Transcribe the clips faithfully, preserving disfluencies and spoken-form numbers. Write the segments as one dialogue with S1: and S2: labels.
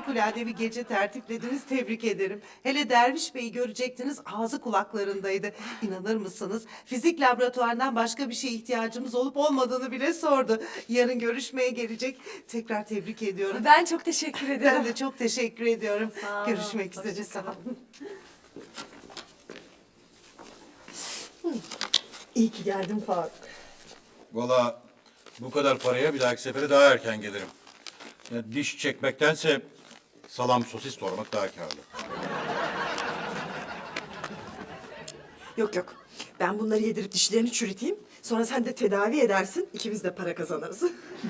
S1: harikulade bir gece tertiplediniz, tebrik ederim. Hele Derviş Bey'i görecektiniz, ağzı kulaklarındaydı. İnanır mısınız? Fizik laboratuvarından başka bir şeye ihtiyacımız olup olmadığını bile sordu. Yarın görüşmeye gelecek. Tekrar tebrik ediyorum.
S2: Ben çok teşekkür ederim.
S1: Ben de çok teşekkür ediyorum.
S2: Sağ olun.
S1: Görüşmek üzere.
S2: Hoşça
S1: Sağ
S2: kalın.
S1: olun. İyi ki geldin Faruk.
S3: Vallahi bu kadar paraya bir dahaki sefere daha erken gelirim. Ya diş çekmektense salam sosis doğramak daha kârlı.
S4: Yok yok. Ben bunları yedirip dişlerini çürüteyim. Sonra sen de tedavi edersin. İkimiz de para kazanırız.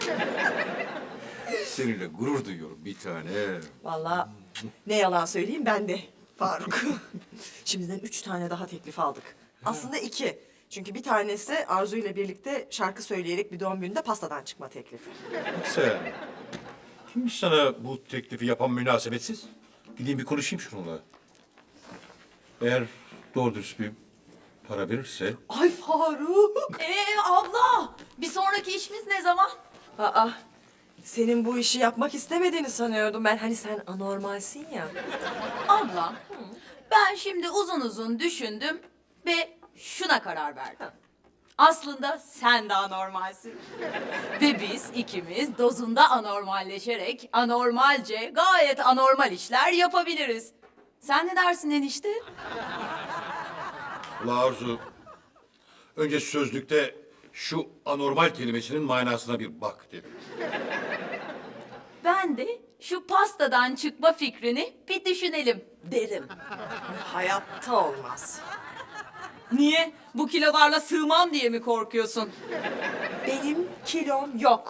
S3: Seninle gurur duyuyorum bir tane.
S4: Vallahi ne yalan söyleyeyim ben de Faruk. Şimdiden üç tane daha teklif aldık. Aslında iki. Çünkü bir tanesi Arzu ile birlikte şarkı söyleyerek bir doğum gününde pastadan çıkma teklifi.
S3: Sen, kimmiş sana bu teklifi yapan münasebetsiz? Gideyim bir konuşayım şununla. Eğer doğru dürüst bir para verirse...
S4: Ay Faruk!
S2: Ee abla, bir sonraki işimiz ne zaman?
S4: Aa, senin bu işi yapmak istemediğini sanıyordum ben. Hani sen anormalsin ya.
S2: Abla, ben şimdi uzun uzun düşündüm ve şuna karar verdim. Aslında sen de anormalsin. Ve biz ikimiz dozunda anormalleşerek anormalce gayet anormal işler yapabiliriz. Sen ne dersin enişte?
S3: Ula Arzu, önce sözlükte şu anormal kelimesinin manasına bir bak dedim.
S2: Ben de şu pastadan çıkma fikrini bir düşünelim derim.
S4: Hayatta olmaz.
S2: Niye? Bu kilolarla sığmam diye mi korkuyorsun?
S4: Benim kilom yok.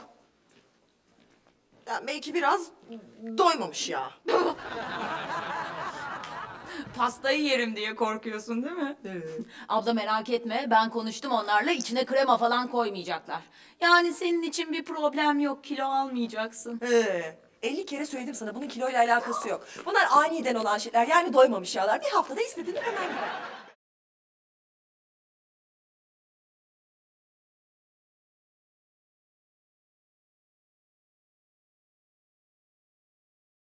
S4: Ya belki biraz doymamış ya.
S2: Pastayı yerim diye korkuyorsun değil mi? Evet. Abla merak etme, ben konuştum onlarla, içine krema falan koymayacaklar. Yani senin için bir problem yok, kilo almayacaksın.
S4: Ee, elli kere söyledim sana bunun kiloyla alakası yok. Bunlar aniden olan şeyler yani doymamış yağlar. Bir haftada istediğini hemen gider.